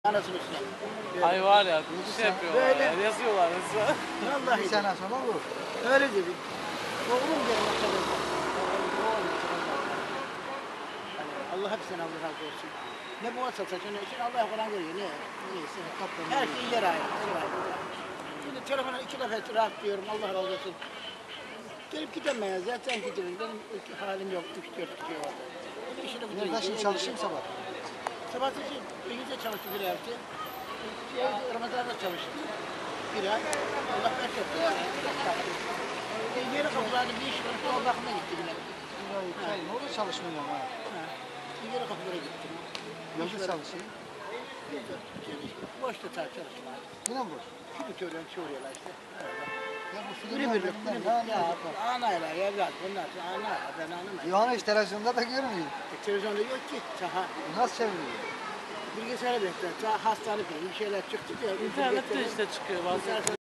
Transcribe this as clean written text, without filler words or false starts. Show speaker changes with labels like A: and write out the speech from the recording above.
A: Anasını üstüne.
B: Ay var ya, bir şey yapıyorlar.
A: Böyle.
B: Yani yazıyorlar mesela.
A: Vallahi.
C: Bir sene sonra olur.
A: Öyle dedi. Oğlum diye maşallah. Allah hepsinden Allah razı olsun. Ne bu satacak ne için Allah falan görüyor. Neyse. Her şey yer ayrı. Şimdi telefona 2 defa rahat diyorum. Allah razı olsun. Gelip gidemeyiz. Zaten gidelim. Benim halim yok. 3-4 kişi var. İşini bitireyim.
C: Nerede şimdi çalışayım sabah?
A: Sabah için İngilizce çalıştı bir hafta. Ramazan'da çalıştı. Bir ay. Allah bereket versin. Yeni kapılarda bir iş var. O bakıma gitti bile.
C: Ne olur çalışmıyorum ha.
A: Yeni kapılara gittim.
C: Nasıl çalışayım?
A: Boşta çalışma.
C: Yine mi boş?
A: Şimdi söylüyorum soruyorlar işte.
C: Ya bu
A: Biri
C: filmler
A: birlik,
C: benimle
A: biri
C: ne
A: birlik. Ya
C: anlayacak?
A: anayla evlat bunlar. Anayla ben anlamayım.
C: Yohana hiç televizyonda da görmüyor.
A: Televizyonda yok ki. Saha.
C: Nasıl çeviriyor?
A: Bilgisayara bekler. Hastane bir şeyler çıktı diye.
B: İnternette işte çıkıyor bazen.